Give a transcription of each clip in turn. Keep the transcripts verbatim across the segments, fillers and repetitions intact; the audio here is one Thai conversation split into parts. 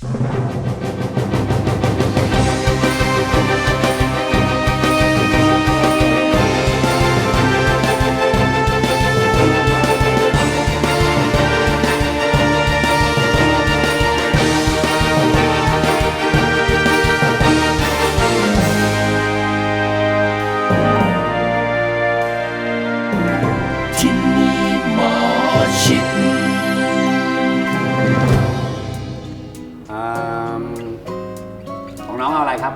ของน้องเอาอะไรครับ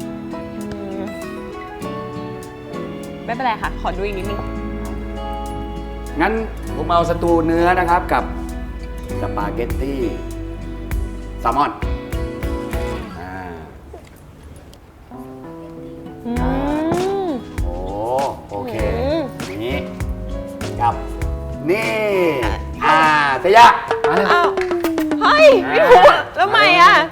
ไม่เป็นไรค่ะขอดูอีกนิดนึงงั้นผมเอาสตูเนื้อนะครับกับสปาเกตตี้แซลมอนอ่าโอ้โอเคนี้กับนี่อ่าเตยะมาเลยอ้าวเฮ้ยไม่ถูกแล้วใหม่อ่ะ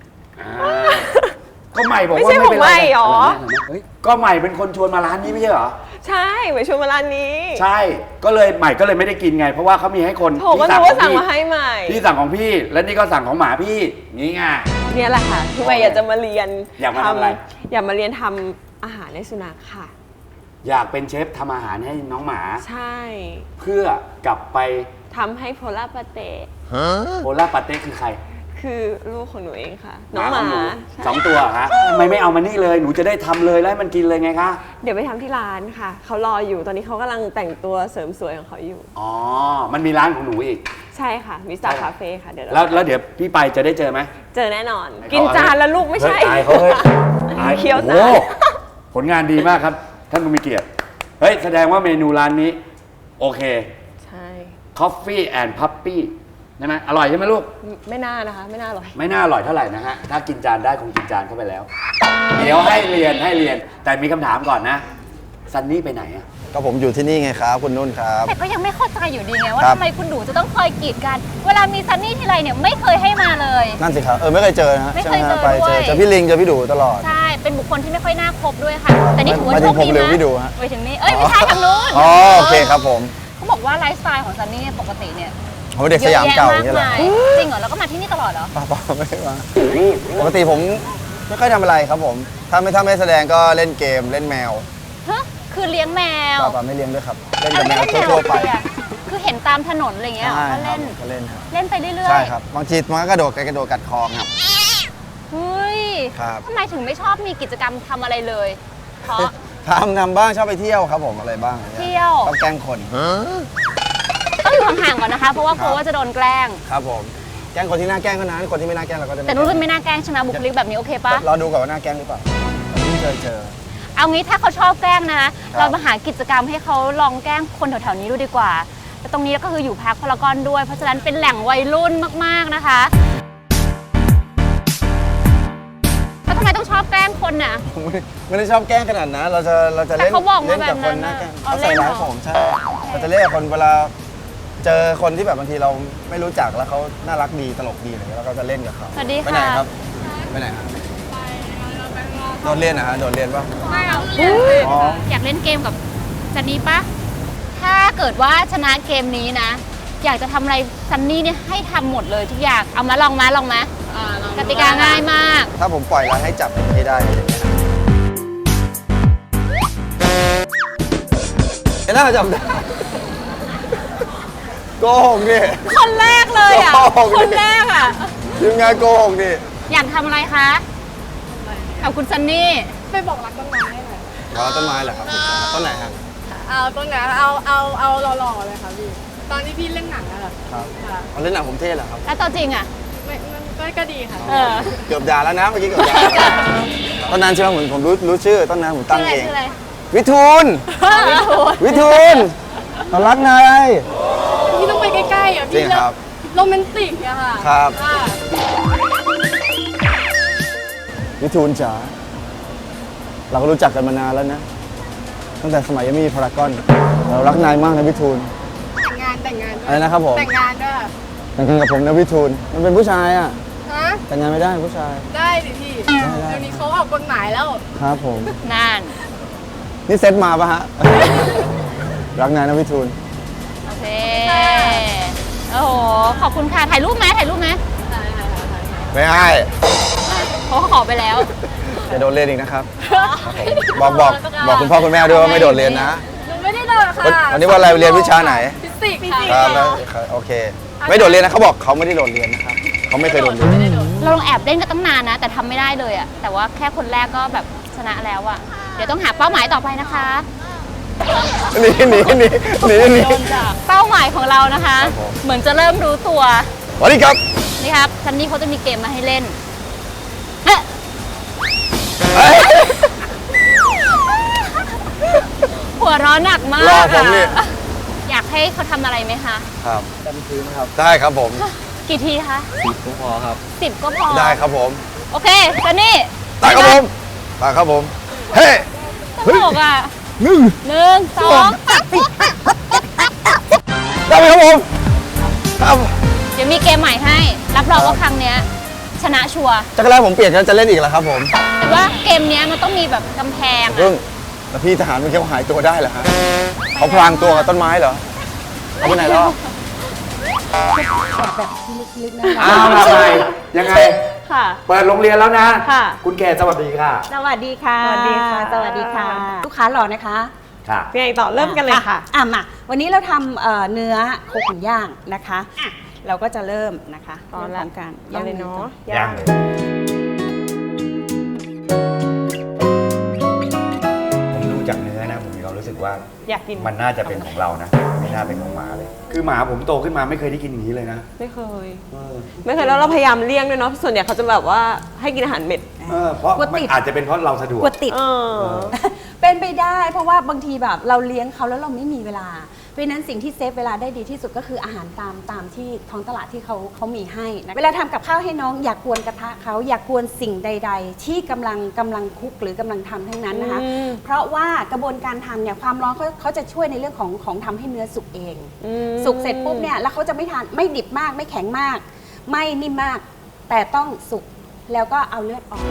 ก็ใหม่บอกว่าไม่ใช่ของใหม่หรอก็ใหม่เป็นคนชวนมาร้านนี้ไม่ใช่เหรอใช่ใหม่ชวนมาร้านนี้ใช่ก็เลยใหม่ก็เลยไม่ได้กินไงเพราะว่าเขามีให้คนที่สั่งของพี่สั่งมาให้ใหม่พี่สั่งของพี่และนี่ก็สั่งของหมาพี่นี่ไงเนี่ยแหละค่ะที่ใหม่อยากจะมาเรียนอยากมาทำอะไรอยากมาเรียนทำอาหารให้สุนัขค่ะอยากเป็นเชฟทำอาหารให้น้องหมาใช่เพื่อกลับไปทำให้โพล่าปาเต้โพล่าปาเต้คือใครคือลูกของหนูเองค่ะน้องหมาสองตัวฮะทำไมไม่เอามานี่เลยหนูจะได้ทำเลยแล้วให้มันกินเลยไงคะเดี๋ยวไปทำที่ร้านค่ะเขารออยู่ตอนนี้เขากำลังแต่งตัวเสริมสวยของเขาอยู่อ๋อมันมีร้านของหนูอีกใช่ค่ะมิสตาร์คาเฟ่ค่ะเดี๋ยวแล้วแล้วเดี๋ยวพี่ไปจะได้เจอไหมเจอแน่นอนกินจานแล้วลูกไม่ใช่ตายเขาเฮ้ยเคี้ยวจานผลงานดีมากครับท่านผู้มีเกียรติเฮ้ยแสดงว่าเมนูร้านนี้โอเคใช่ Coffee and Puppy ใช่ไหมอร่อยใช่ไหมลูกไม่น่านะคะไม่น่าอร่อยไม่น่าอร่อยเท่าไหร่นะฮะถ้ากินจานได้คงกินจานเข้าไปแล้วเดี๋ยวให้เรียนให้เรียนแต่มีคำถามก่อนนะซันนี่ไปไหนอ่ะก็ผมอยู่ที่นี่ไงครับคุณนุ่นครับแต่ก็ยังไม่เข้าใจอยู่ดีไงว่าทำไมคุณหนูจะต้องคอยกีดกันเวลามีซันนี่ทีไรเนี่ยไม่เคยให้มาเลยนั่นสิครับเออไม่เคยเจอนะไม่เคยเจอไปเจอเจอพี่ลิงเจอพี่ดูตลอดใช่เป็นบุคคลที่ไม่ค่อยน่าคบด้วยค่ะแต่นี่ถือว่าโชคดีนะไปถึงนี่เอ้ยไม่ใช่ทางนู้นอ๋อโอเคครับผมเขาบอกว่าไลฟ์สไตล์ของซันนี่ปกติเนี่ยโอ้เด็กสยามเก่าอย่างเงี้ยเหรอจริงเหรอแล้วก็มาที่นี่ตลอดเหรอเปล่าๆไม่มาปกติผมไม่ค่อยทำอะไรครับผมถ้าไม่ถ้าไม่แสดงก็เล่นเกมเล่นแมวฮะคือเลี้ยงแมวเปล่าๆไม่เลี้ยงด้วยครับเล่นกับแมวทั่วไปคือเห็นตามถนนอะไรเงี้ยก็เล่นก็เล่นครับเล่นไปเรื่อยๆใช่ครับบางทีมันก็กระโดดกระโดดกัดคอครับเฮ้ยทำไมถึงไม่ชอบมีกิจกรรมทำอะไรเลยเพราะทำทำบ้างชอบไปเที่ยวครับผมอะไรบ้างเที่ยวชอบแกล้งคนต้องอยู่ห่างๆก่อนนะคะเพราะว่ากลัวว่าจะโดนแกล้งครับผมแกล้งคนที่น่าแกล้งก็นะคนที่ไม่น่าแกล้งเราก็จะแต่นุ่นไม่น่าแกล้งชนะบุคลิกแบบนี้โอเคปะเราดูก่อนว่าน่าแกล้งหรือเปล่าไม่เคยเจอเอางี้ถ้าเขาชอบแกล้งนะเรามาหากิจกรรมให้เขาลองแกล้งคนแถวๆนี้ดูดีกว่าแต่ตรงนี้ก็คืออยู่พาร์คพารากอนด้วยเพราะฉะนั้นเป็นแหล่งวัยรุ่นมากๆนะคะแล้วทำไมต้องชอบแกล้งคนน่ะไม่ได้ชอบแกล้งขนาดนั้นเราจะเราจะเล่นเขาบอกมาแบบนั้นนะเขาใส่ร้ายผมใช่เราจะเล่นกับคนเวลาเจอคนที่แบบบางทีเราไม่รู้จักแล้วเขาน่ารักดีตลกดีอะไรเงี้ยเราก็จะเล่นกับเขาสวัสดีค่ะไปไหนครับไปไหนครับโดนเรียนนะฮะโดนเรียนป่ะไม่เอาอยากเล่นเกมกับซันนี่ปะถ้าเกิดว่าชนะเกมนี้นะอยากจะทำอะไรซันนี่เนี่ยให้ทำหมดเลยทุกอย่างเอามาลองมาลองมากติกาง่ายมากถ้าผมปล่อยแล้วให้จับให้ได้เห็นหน้าจับได้โกหกดิคนแรกเลยอ่ะคนแรกอ่ะทีมงานโกหกดิอยากทำอะไรคะกับคุณซันนี่ไปบอกรักต้นไม้หน่อยอ๋อต้นไม้เหรอครับต้นไหนครับเอาต้นไหนเอาเอาเอาหล่อๆเลยค่ะพี่ตอนที่พี่เล่นหนังอะค่ะครับเอาเล่นหนังผมเท่เหรอครับแล้วตัวจริงอ่ะไม่มันก็ดีค่ะเกือบด่าแล้วนะเมื่อกี้เกือบด่าต้นนั้นใช่ไหมผมผมรู้รู้ชื่อต้นนั้นผมตั้งเองวิทูลวิทูลเขารักนายพี่ต้องไปใกล้ๆอ่ะพี่โรแมนติกอะค่ะครับวิทูลจ๋าเราก็รู้จักกันมานานแล้วนะตั้งแต่สมัยยังไม่มีพารากอนเรารักนายมากนะวิทูลแต่งงานแต่งงานอะไรนะครับผมแต่งงานด้วยแต่งงานกับผมนะวิทูลมันเป็นผู้ชายอ่ะฮะแต่งงานไม่ได้ผู้ชายได้ดิพี่เดี๋ยวนี้เขาออกกฎหมายแล้วครับผมนั่นนี่เซตมาปะฮะรักนายนะวิทูลโอเคโอ้โหขอบคุณค่ะถ่ายรูปไหมถ่ายรูปไหมไม่ให้เขาขอไปแล้วจะโดนเรียนอีกนะครับบอกบอกบอกคุณพ่อคุณแม่ด้วยว่าไม่โดดเรียนนะหนูไม่ได้โดดค่ะวันนี้ว่าอะไรเรียนวิชาไหนฟิสิกส์ค่ะครับแล้วโอเค ไม่โดดเรียนนะเขาบอกเขาไม่ได้โดดเรียนนะครับเขาไม่เคยโดดเรียนเราลองแอบเล่นกันตั้งนานนะ แต่ทำไม่ได้เลยอะแต่ว่าแค่คนแรกก็แบบชนะแล้วอะเดี๋ยวต้องหาเป้าหมายต่อไปนะคะหนีหนีหนีหนีหนีเป้าหมายของเรานะคะครับผมเหมือนจะเริ่มรู้ตัวสวัสดีครับนี่ครับซันนี่เขาจะมีเกมมาให้เล่นเฮ้ยเฮ้ยหัวเร้อนหนักมากรอผมนี่อะอยากให้เขาทำอะไรไหมคะครับได้ครับผมกี่ทีคะสิบก็พอครับสิบก็พอได้ครับผมโอเคซันนี่ได้ครับผมได้ครับผมเฮ้ตลกอ่ะหนึ่งหนึ่งสองสามได้ไหมครับผมครับเดี๋ยวมีเกมใหม่ให้ รับรองว่าครั้งเนี้ยชนะชัวร์จักรแรกผมเปลี่ยนจะเล่นอีกแล้วครับผมแต่ว่าเกมเนี้ยมันต้องมีแบบกำแพงเพิ่งอะแล้วพี่ทหารเมื่อกี้เขาหายตัวได้เหรอฮะเขาพรางตัวกับต้นไม้เหรอเขาไปไหนแล้วอ้าวทำไมยังไงค่ะเปิดโรงเรียนแล้วนะค่ะคุณแกสวัสดีค่ะสวัสดีค่ะสวัสดีค่ะสวัสดีค่ะ ลูกค้าหล่อนะคะค่ะยังไงต่อเริ่มกันเลยค่ะอ่ะมา วันนี้เราทำเอ่อเนื้อโคขุนย่างนะคะอ่ะเราก็จะเริ่มนะคะตอนเรื่ละงของการย่างเลยเนาะย่าง ผมดูจากเนื้อนะ ผมมีความรู้สึกว่าอยากกินมันน่าจะเป็นของเรานะ ไม่น่าเป็นของหมาเลย คือหมาผมโตขึ้นมาไม่เคยได้กินอย่างนี้เลยนะไม่เคยเออไม่เคยแล้วเราพยายามเลี่ยงด้วยเนาะ ส่วนใหญ่เขาจะแบบว่าให้กินอาหารเม็ดเออเพราะมันอาจจะเป็นเพราะเราสะดวกกลัวติดเออเป็นไปได้ เพราะว่าบางทีแบบเราเลี้ยงเขาแล้วเราไม่มีเวลา เพราะฉะนั้นสิ่งที่เซฟเวลาได้ดีที่สุดก็คืออาหารตามตามที่ท้องตลาดที่เขาเขามีให้นะเวลาทำกับข้าวให้น้องอย่ากกวนกระทะเขาอย่ากกวนสิ่งใด ๆ ที่กำลังกำลังคุกหรือกำลังทำทั้งนั้นนะคะอืมเพราะว่ากระบวนการทำเนี่ยความร้อนเขาเขาจะช่วยในเรื่องของของทำให้เนื้อสุกเองอืมสุกเสร็จปุ๊บเนี่ยแล้วเขาจะไม่ทานไม่ดิบมากไม่แข็งมาก ไม่นิ่มมาก แต่ต้องสุกแล้วก็เอาเลือดออก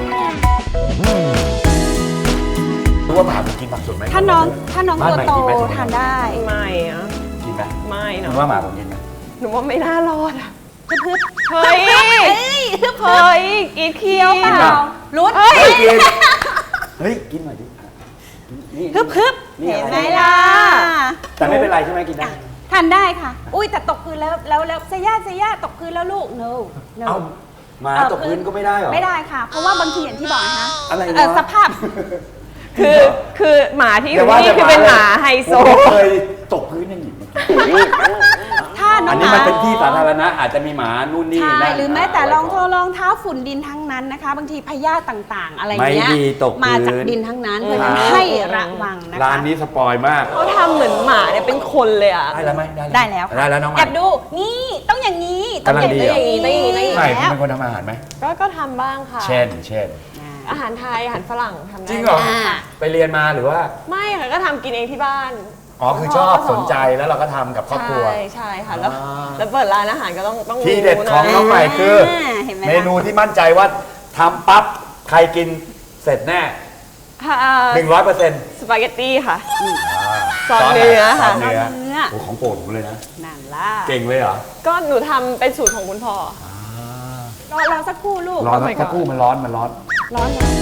รู้ว่าหมาผมกินผักสดไหมถ้าน้องถ้าน้องบ้ตัวใหม่โตกินไหมทานได้ไม่อะกินไหมไม่คุเนาะณว่าหมาผมกินไหมหนูว่าไม่น่ารอดอะฮึบเฮ้ยเฮ้ยฮึบเฮ้ยกินเคี้ยวเปกินล่าเปล่ารุดเฮ้ยเฮ้ยกิน เฮ้ย กินหน่อยดินี่ฮึบฮึบนี่เห็นอะไหมไรล่ะแต่ไม่เป็นไรใช่ไหมกินได้ทานได้ค่ะ อุ้ยแต่ตกพื้นแล้วแล้วแล้วเซย่าเซย่าตกพื้นแล้วลูก no no เอ้าหมาตกพื้นก็ไม่ได้เหรอไม่ได้ค่ะ เพราะว่าบางทีอย่างที่บอกนะคะอะไรเอ่อวะสภาพคือคือหมาที่ออย่ายู่ว่านี่แต่คือเป็นหมาไฮโซผมไม่เคยตกพื้นอย่างนี้มาก่อนถ้าน้อัอน งนี้หมันมาเป็นที่สาธารณะอาจจะมีหมานู่นนี่ใช่นั่นหรือแม้แต่ะไว้รองเท้าก่นรองเท้าฝุ่นดินทั้งนั้นนะคะ บางทีพยาธิต่างๆ อะไรไม่เงี้ยดีตกพื้นมาจากดินทั้งนั้นเพราะฉะนั้นครับให้ระวังนะคะร้านนี้สปอยมากเขาทำเหมือนหมาเนี่ยเป็นคนเลยอ่ะได้แล้วไหมได้แล้วค่ะได้แล้วน้องใหแอม่บดูนี่ต้องอย่างนี้ต้องกำลังดีอย่างนี้ต้องอย่างนี้ต้องอย่างนี้ใหม่แล้วคุณเป็นคนทำอาหารไหมก็ก็ทำบ้างค่ะเช่น เช่นอาหารไทยอาหารฝรั่งทำได้จริงเหรออ่าไปเรียนมาหรือว่าไม่ค่ะก็ทำกินเองที่บ้านอ๋อ คือชอบสนใจแล้วเราก็ทำกับครอบครัวใช่ใช่ค่ะแล้วอ่าแล้วเปิดร้านอาหารก็ต้องต้องที่เด็ดรู้นะของน้องใหม่คือเห็นไหมเมล่ะนูที่มั่นใจว่าทำปั๊บ ใครกินเสร็จแน่ค่ะหนึ่งร้อยเปอร์เซ็นต์สปาเกตตี้ค่ะ ซอสเนื้อค่ะเนื้อเนื้อโอ้ของโปรดผมเลยนะนั่นล่ะเก่งเลยเหรอก็หนูทำเป็นสูตรของคุณพ่อรอรอสักครู่ลูกร้อน Oh my สัก god ครู่มันร้อนมันร้อนร้อนร้อน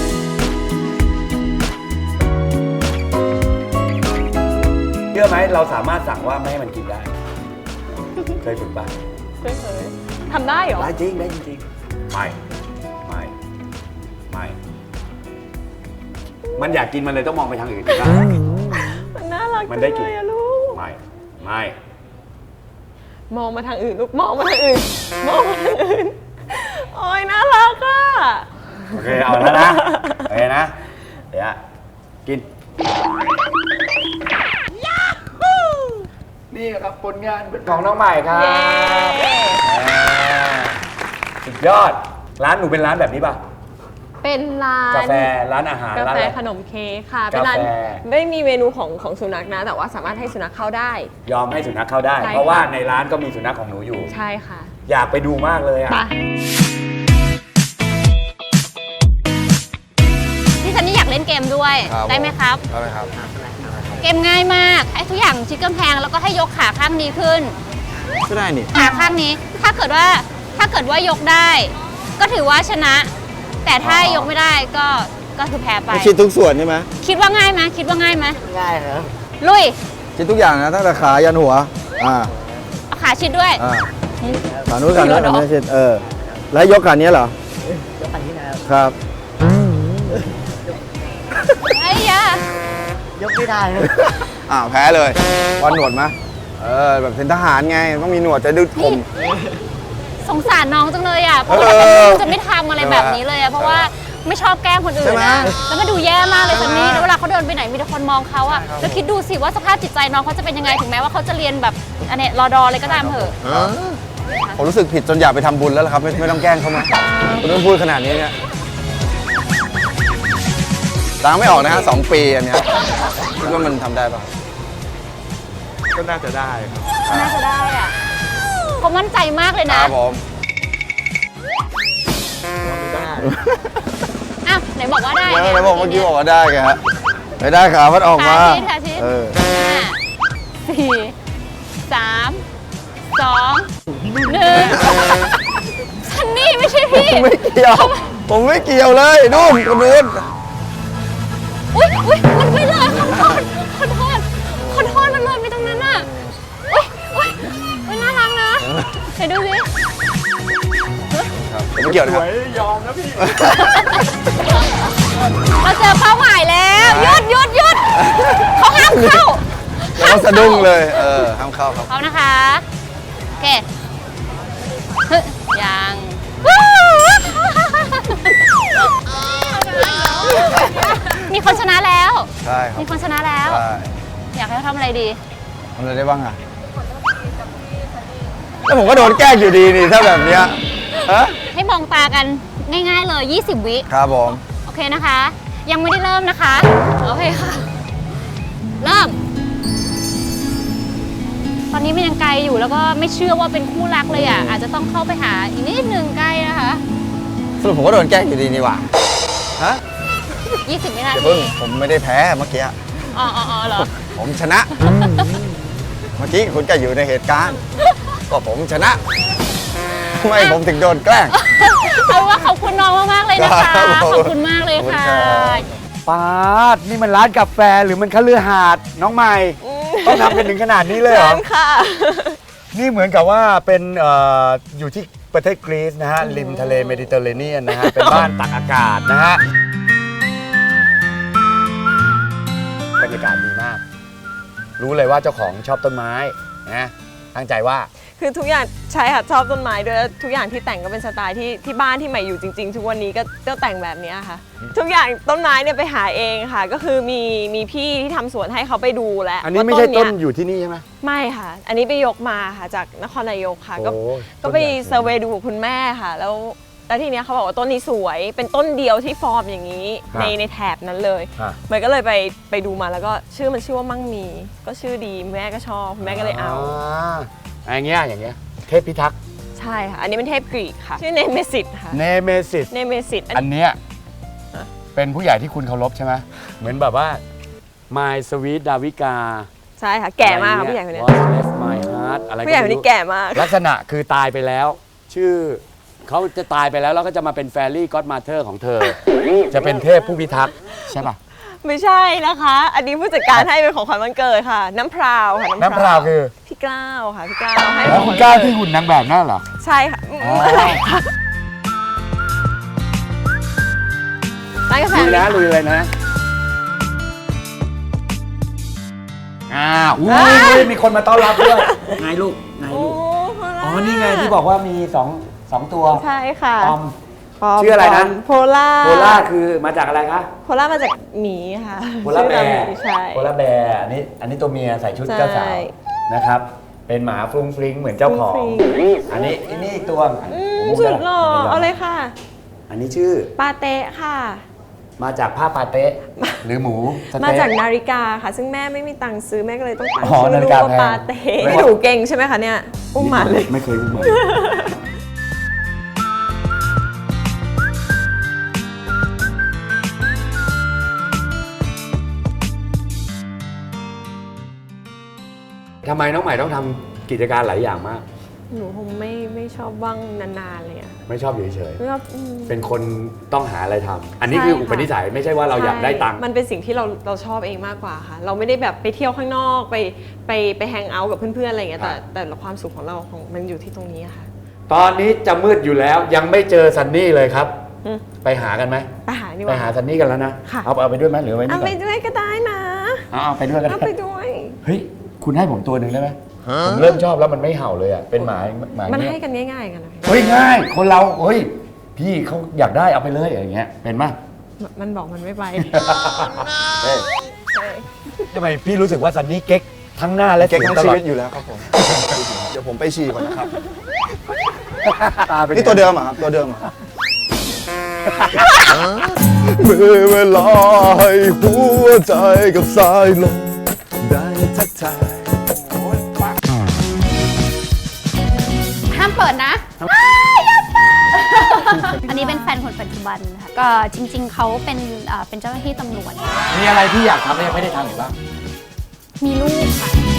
เชื่อไหมเราสามารถสั่งว่าไม่ให้มันกินได้ เคยฝึกป่ะไม่เคยทำได้เหรอได้จริงได้จริงๆไม่ไม่ไม่มันอยากกินมันเลยต้องมองไปทางอื่นได้มันน่ารักมันได้กินจังเลยอะลูกไม่ไม่มองมาทางอื่นลูกมองมาทางอื่น มองมาทางอื่น โอ้ยน่ารักอ่ะโอเคเอาแล้วนะโอเคนะเดี๋ยวกินนี่ครับผลงานของน้องใหม่ครับเย้อ่าสุดยอดร้านหนูเป็นร้านแบบนี้ป่ะเป็นร้านกาแฟร้านอาหารการ้านแฟอะไรขนมเค้กค่ะ เป็นร้านกาแฟไม่มีเมนูของของสุนัขนะ แต่ว่าสามารถให้สุนัขเข้าได้ยอมให้สุนัขเข้าได้ใช่เพราะว่าค่ะในร้านก็มีสุนัขของหนูอยู่ใช่ค่ะอยากไปดูมากเลยอ่ะไปพี่ซันนี่อยากเล่นเกมด้วยครับได้ไหมครับได้ไหมครับเกมง่ายมาก ให้ทุกอย่างชิดกำแพงแล้วก็ให้ยกขาข้างนี้ขึ้นก็ได้นี่ขาข้างนี้ ถ้าเกิดว่าถ้าเกิดว่ายกได้ก็ถือว่าชนะ แต่ถ้ายกไม่ได้ก็ก็คือแพ้ไปไม่ชิดทุกส่วนใช่ไหมคิดว่าง่ายไหมคิดว่าง่ายไหมง่ายครับลุยชิดทุกอย่างนะตั้งแต่ขายันหัวอ่าเอาขาชิดด้วยอ่าขานู้นขานู้นเหรอขานี้ชิดเออแล้วยกขานี้เหรอยกอันนี้นะครับครับไอ้ยายกไม่ได้ครับอ้าวแพ้เลยวันหนวดไหมเออแบบเป็นทหารไงต้องมีหนวดจะดึงผมสงสารน้องจังเลยอ่ะเพราะว่าเออจะไม่ทำอะไรแบบนี้เลยอ่ะเพราะว่าไม่ชอบแกล้งคนอื่ใช่นไหมนะแล้วก็ดูแย่มากเลยใช่ซันไหมนี่แล้วเวลาเขาเดินไปไหนมีแต่คนมองเขาอ่ะแล้วคิดดูสิว่าสภาพจิตใจน้องเขาจะเป็นยังไงถึงแม้ว่าเขาจะเรียนแบบอันเนี้ยรอดอเลยก็ตามเถอะผมรู้สึกผิดจนอยากไปทำบุญแล้วล่ะครับ ไม่ไม่ต้องแกล้งเขามาคุณต้องพูดขนาดนี้เนี่ยล้างไม่ออกนะฮะสองปีอันเนี้ยคิดว่ามันทำได้ปะก็น่าจะได้ครับน่าจะได้อ่ะเขามั่นใจมากเลยคนะรับผมได้อ้าวไหนบอกว่าได้เดี๋ยวไงไหนบอกเมื่อกี้บอกว่าได้ไงฮะไม่ได้ขาพัดออกมาขาชิดขาชิดเออห้าสี่สามสองหนึ่งซันนี่ไม่ใช่พี่ผมไม่เกี่ยว ผมไม่เกี่ยวเลยนู่นคนนู้นอุ้ยอุ้ยมันไม่เลยขอโทษขอโทษขอโทษมันเลยไปตรงนั้นน่ะอุ้ยอุ้ยอุ้ยน่ารักนะไหนดูสิครับผมไม่เกี่ยวนะครับยอมนะพี่เราเจอเป้าหมายแล้วหยุดหยุดหยุดเขาห้ามเข้าแล้วก็สะดุ้งเลย เออห้ามเข้าครับเขานะคะโอเคเฮ้ยยังมีคนชนะแล้วใช่ครับมีคนชนะแล้วใช่อยากให้เขาทำอะไรดีทำอะไรได้บ้างอ่ะแล้วผมก็โดนแกล้งอยู่ดีนี่ถ้าแบบเนี้ยฮะให้มองตากันง่ายๆเลย ยี่สิบ วิครับผมโอเคนะคะ ยังไม่ได้เริ่มนะคะ โอเคค่ะ เริ่ม ตอนนี้มันยังไกลอยู่แล้วก็ไม่เชื่อว่าเป็นคู่รักเลยอ่ะ อาจจะต้องเข้าไปหาอีกนิดนึงใกล้นะคะสรุปผมก็โดนแกล้งอยู่ดีนี่หว่าฮะยี่สิบ วินาเดี๋ยวทีเพิ่งผมไม่ได้แพ้เมื่อกี้อ๋ออ๋ออ๋อเหรอผมชนะ เมื่อกี้คุณก็อยู่ในเหตุการณ์ ก็ผมชนะทำไมผมถึงโดนแกล้งเอาเป็นว่าขอบคุณน้องมากๆเลยนะคะครับผมขอบคุณมากเลยค่ะขอบคุณครับปาดนี่มันร้านกาแฟหรือมันคฤหาสน์น้องใหม่ ต้องทำกันถึงขนาดนี้เลยเหรอค่ะนี่เหมือนกับว่าเป็นเอ่ออยู่ที่ประเทศกรีซนะฮะ ริมทะเลเมดิเตอร์เรเนียนนะฮะ เป็นบ้านตักอากาศนะฮะ บรรยากาศดีมาก รู้เลยว่าเจ้าของชอบต้นไม้นะตั้งใจว่าคือทุกอย่างใช่ค่ะชอบต้นไม้ด้วยแล้วทุกอย่างที่แต่งก็เป็นสไตล์ที่ที่บ้านที่ใหม่อยู่จริง ๆ ทุกวันนี้ก็ก็แต่งแบบเนี้ยค่ะ ทุกอย่างต้นไม้เนี่ยไปหาเองค่ะ ก็คือมีมีพี่ที่ทำสวนให้เขาไปดูแล้วอันนี้ไม่ใช่ต้นว่าเยอยู่ที่นี่ใช่ไหมไม่ค่ะ อันนี้ไปยกมาค่ะจากนครนายกค่ะ ก็โอ้ก็ไปต้นใหญ่เซอร์เวย์ดูกับคุณแม่ค่ะ แล้วแล้วทีเนี้ยเขาบอกว่าต้นนี้สวย เป็นต้นเดียวที่ฟอร์มอย่างนี้ครับในในแถบนั้นเลยอ่ะมันก็เลยไปไปดูมาแล้วก็ชื่อมันชื่อว่ามั่งมี ก็ชื่อดีแม่ก็ชอบแม่ก็เลยเอาอ่าอย่างเงี้ยอย่างเงี้ยเทพพิทักษ์ใช่ค่ะ อันนี้เป็นเทพกรีกค่ะ ชื่อเนเมซิสค่ะเนเมซิสเนเมซิสอันอันเนี้ยเป็นผู้ใหญ่ที่คุณเคารพใช่ไหมเหมือนแบบว่า My Sweet Davika ใช่ค่ะ แก่มากค่ะผู้ใหญ่คนเนี้ย What left my heart อะไรก็ผู้ใหญ่คนไม่นี้รู้แก่มากลักษณะคือตายไปแล้ว ชื่อเขาจะตายไปแล้วแล้วก็จะมาเป็นแฟรี่ก็อดมาเธอร์ของเธอ จะเป็นเทพผู้พิทักษ์ใช่ป่ะไม่ใช่นะคะ อันนี้ผู้จัดการให้เป็นของขวัญวันเกิดค่ะ น้ำพราวค่ะน้ำพราวคือพี่กล้าวค่ะพี่กล้าวให้แล้วของขคุวัณญกล้าวันเกิที่ดหุ่นนางแบบนั่นเหรอใช่ค่ะอ๋อร้านกาแฟลุยนะลุยเลยนะอ่าอุ้ยมีคนมาต้อนรับด้วยไงลูกไงโอ้ลูกโหอ๋อ นี่ไงที่บอกว่ามีสองสองตัวใช่ค่ะปอมปอมชื่ออะไรนะโพล่าโพล่าคือมาจากอะไรคะโพล่ามาจากหมีค่ะโพล่าแบชื่อร์หมีใช่โพล่าแบร์อันนี้อันนี้ตัวเมียใส่ชุดใช่เจ้าสาวนะครับ เป็นหมาฟรุ้งฟริ้งเหมือนเจ้าของฟรุ้งฟริ้งอันนี้อันนี้อีกตัวอืมผมสุดไม่หล่อไม่ยมเอาเลยค่ะอันนี้ชื่อปาเต้ค่ะมาจากผ้าปาเต้หรือหมูสมาเต๊ะจากนาฬิกาค่ะ ซึ่งแม่ไม่มีตังค์ซื้อแม่ก็เลยต้องตั้งอ๋อชื่อนาฬิลูกกาว่าแพงปาเต้ไม่ไม่หนูเก่งใช่ไหมคะเนี่ยอุ้มหมาเลยไม่เคยอุ้มหมาทำไมน้องใหม่ต้องทำกิจการหลายอย่างมากหนูคงไม่ไม่ชอบว่างนานๆเลยอะไม่ชอบอยู่เฉยไม่ชอบอืมๆเป็นคนต้องหาอะไรทำอันนี้คือใช่ค่ะอุปนิสัยไม่ใช่ว่าเราอยากได้ตังค์มันเป็นสิ่งที่เราเราชอบเองมากกว่าค่ะ เราไม่ได้แบบไปเที่ยวข้างนอกไปไปไปแฮงเอาท์กับเพื่อนๆอะไรอย่างเงี้ยแต่แต่ความสุขของเราของมันอยู่ที่ตรงนี้อะค่ะตอนนี้จะมืดอยู่แล้วยังไม่เจอซันนี่เลยครับอืมไปหากันไหมไปหาดีกไปว่าหาซันนี่กันแล้วนะค่ะเอาเอาไปด้วยไหมหรือไว้นี่เอาก่ไปอนด้วยก็ได้นะเอาเอาไปด้วยกันเอาไปด้วยเฮ้ยคุณให้ผมตัวหนึ่งได้ไหมผมเริ่มชอบแล้วมันไม่เห่าเลยอ่ะเป็นหมาหมามันเงี้ให้ยกันง่ายๆกันนะเฮ้ยง่ายคนเราเฮ้ยพี่เขาอยากได้เอาไปเลยอย่างเงี้ยเป็นมั้ยมันบอกมันไม่ไปเฮ้ยใช่ทำไมพี่รู้สึกว่าซันนี่เก๊กทั้งหน้าและเก่งสียทั้งตชีลอดวิตอยู่แล้วครับผม เดี๋ยวผมไปฉี่ก่อนนะครับตาเป็นนี่ตัวเดิมเหรอครับ ตัวเดิมเหรอเมื่อเวลาให้หัวใจกับสายลมได้ทักทายห้ามเปิดนะอ้ายอย่าเปิด อันนี้เป็นแฟนคนปัจจุบันค่ะก็จริง ๆ เขาเป็นเอ่อเป็นเจ้าหน้าที่ตำรวจมีอะไรที่อยากทำแล้วยังไม่ได้ทำหรือเปล่ามีลูกค่ะ